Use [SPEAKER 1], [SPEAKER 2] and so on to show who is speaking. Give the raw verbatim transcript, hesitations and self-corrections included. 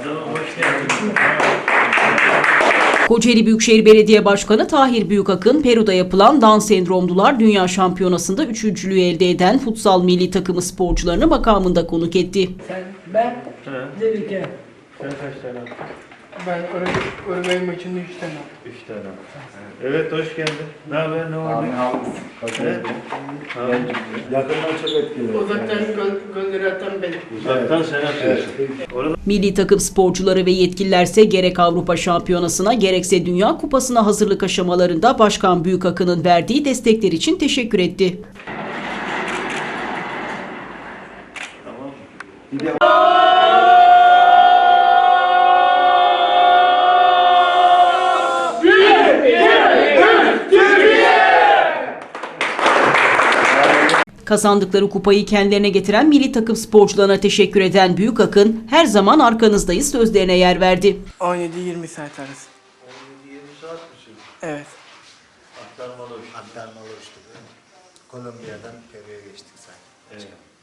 [SPEAKER 1] Kocaeli Büyükşehir Belediye Başkanı Tahir Büyükakın, Peru'da yapılan Down Sendromlular Dünya Şampiyonası'nda üçüncülüğü elde eden futsal milli takımı sporcularını makamında konuk etti.
[SPEAKER 2] Sen, ben, Delike.
[SPEAKER 3] Sen kaç tane attın?
[SPEAKER 2] Ben Uruguay maçında üç tane attım.
[SPEAKER 3] Üç tane. Evet, hoş geldin. Ne haber, ne var? Evet.
[SPEAKER 4] Yakından çok etkili.
[SPEAKER 2] Uzaktan gol, golleri atan benim.
[SPEAKER 3] Uzaktan sen atıyorsun. Orada
[SPEAKER 1] Milli takım sporcuları ve yetkililerse gerek Avrupa Şampiyonası'na gerekse Dünya Kupası'na hazırlık aşamalarında Başkan Büyükakın'ın verdiği destekler için teşekkür etti. Kazandıkları kupayı kendilerine getiren milli takım sporcularına teşekkür eden Büyükakın, her zaman arkanızdayız sözlerine yer verdi.
[SPEAKER 2] on yedi yirmi saat arası.
[SPEAKER 3] on yedi yirmi saat mi sürdü?
[SPEAKER 2] Evet.
[SPEAKER 3] Aktarmalı uçtu.
[SPEAKER 5] Aktarmalı uçtu değil mi? Kolombiya'dan Peru'ya geçtik sanki.
[SPEAKER 3] Evet.